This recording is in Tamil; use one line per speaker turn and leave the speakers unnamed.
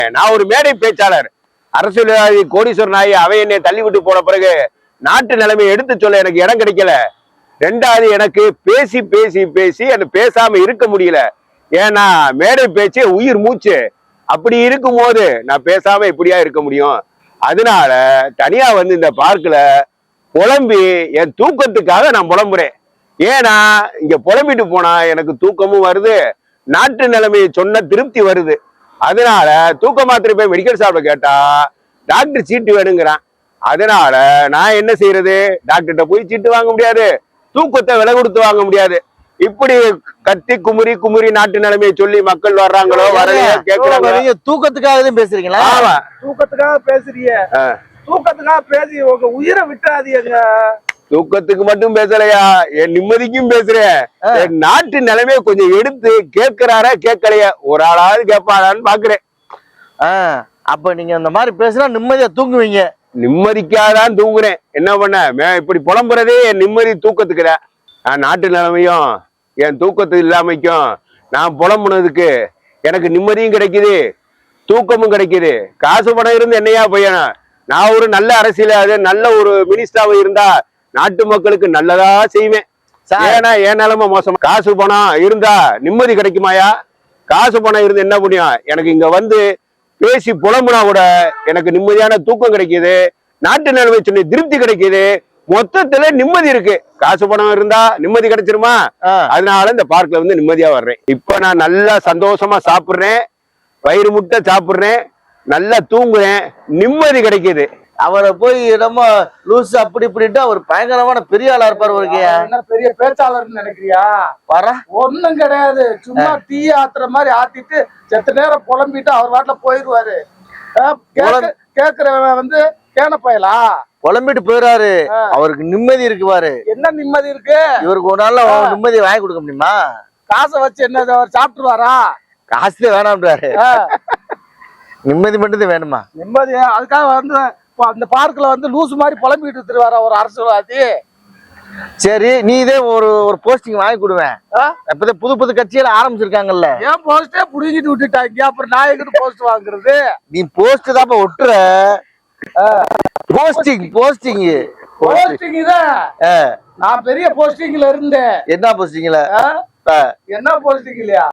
நான் ஒரு மேடை பேச்சாளர், அரசியல்வாதி, கோடீஸ்வரன் ஆகி அவை என்னை தள்ளி விட்டு போன பிறகு நாட்டு நிலைமையை எடுத்து சொல்ல எனக்கு இடம் கிடைக்கல. ரெண்டாவது, எனக்கு பேசி பேசி பேசி அது பேசாம இருக்க முடியல. ஏன்னா மேடை பேச்சு உயிர் மூச்சு. அப்படி இருக்கும் போது நான் பேசாம இப்படியா இருக்க முடியும்? அதனால தனியா வந்து இந்த பார்க்ல புலம்பி என் தூக்கத்துக்காக நான் புலம்புறேன். ஏன்னா இங்க புலம்பிட்டு போனா எனக்கு தூக்கமும் வருது, நாட்டு நிலைமையை சொன்ன திருப்தி வருது. அதனால தூக்க மாத்திரை போய் மெடிக்கல் ஷாப்ல கேட்டா டாக்டர் சீட்டு வேணுங்கிறான். அதனால நான் என்ன செய்யறது? டாக்டர்கிட்ட போய் சீட்டு வாங்க முடியாது, தூக்கத்தை விலை கொடுத்து வாங்க முடியாது. இப்படி கத்தி குமுறி குமுறி நாட்டு நிலைமையை சொல்லி மக்கள் வர்றாங்களோ வரலையோ கேட்கறாங்க.
நீங்க தூக்கத்துக்காக பேசுறீங்களா?
ஆமா,
தூக்கத்துக்காக பேசுறீங்க. தூக்கத்துக்காக பேசி உங்க உயிரை விட்டுறாதீங்க.
தூக்கத்துக்கு மட்டும் பேசலையா, என் நிம்மதிக்கும் பேசுறேன். என் நாட்டு நிலைமையை கொஞ்சம் எடுத்து கேட்கிறாரா கேட்கலையா, ஒரு ஆளாவது கேட்பாரான்னு பாக்குறேன்.
அப்ப நீங்க அந்த மாதிரி பேசினா நிம்மதியா தூங்குவீங்க?
நிம்மதிக்காதான் தூங்குறேன். என்ன பண்ண, இப்படி புலம்புறதே என் நிம்மதி தூக்கத்துக்குதான். நான் நாட்டு நிலைமையும் என் தூக்கத்து இல்லாமைக்கும் நான் புலம்புனதுக்கு எனக்கு நிம்மதியும் கிடைக்குது, தூக்கமும் கிடைக்குது. காசு பணம் இருந்து என்னையா பையனா? நான் ஒரு நல்ல அரசியல், நல்ல ஒரு மினிஸ்டராக இருந்தா நாட்டு மக்களுக்கு நல்லதா செய்வேன். ஏன்னா என் நிலைமை மோசமா. காசு பணம் இருந்தா நிம்மதி கிடைக்குமாயா? காசு பணம் இருந்து என்ன புண்ணியம்? எனக்கு இங்க வந்து பேசி புலம்புனா கூட எனக்கு நிம்மதியான தூக்கம் கிடைக்குது, நாட்டு நிலைமை சொன்ன திருப்தி கிடைக்குது. மொத்தத்துல நிம்மதி இருக்கு. காசு பணம் இருந்தா நிம்மதி கிடைச்சிருமா? அதனால இந்த பார்க்ல வந்து நிம்மதியா வர்றேன். இப்ப நான் நல்லா சந்தோஷமா சாப்பிடுறேன், வயிறு முட்டை சாப்பிடுறேன், நல்லா தூங்குறேன், நிம்மதி கிடைக்குது.
அவரை போய் நம்ம லூஸ் அப்படி இப்படிட்டு அவர் பயங்கரமான பெரிய ஆளா இருப்பாரு.
என்ன பெரிய பேச்சாளர்னு நினைக்கிறியா? ஒண்ணும் கிடையாது. சும்மா டீ ஆத்துற மாதிரி ஆத்திட்டு செத்த நேரம் புலம்பிட்டு அவர் வாட்டில போயிடுவாரு. கேக்குறவன் வந்து கேனப்பயலா
புலம்பிட்டு போயிடாரு. அவருக்கு நிம்மதி இருக்கு பாரு.
என்ன நிம்மதி இருக்கு?
இவருக்கு ஒரு நாள்ல நிம்மதியை வாங்கி கொடுக்க முடியுமா?
காசை வச்சு என்ன அவர் சாப்பிட்டுருவாரா?
காசு வேணாம்ன்றாரு, நிம்மதி மட்டும் வேணுமா?
நிம்மதி. அதுக்காக வந்து அந்த பார்க்ல வந்து லூசு மாதிரி புலம்பிட்டு திருவாரா ஒரு அரசியல்வாதி.
சரி, நீ இதே ஒரு போஸ்டிங் வாங்கி கொடுவேன். அப்பதான் புது புது கட்சியில ஆரம்பிச்சிருக்காங்கல்ல.
ஏன் போஸ்டே புடிங்கிட்டு விட்டுட்டாங்க, அப்புறம் நான் எங்கிட்ட போஸ்ட் வாங்குறது?
நீ போஸ்ட் தான் ஒட்டுற. போஸ்டிங் போஸ்டிங்
போஸ்டிங் தான். நான் பெரிய போஸ்டிங்ல இருந்தேன்.
என்ன போஸ்டிங்ல?
என்ன போஸ்டிங் இல்லையா?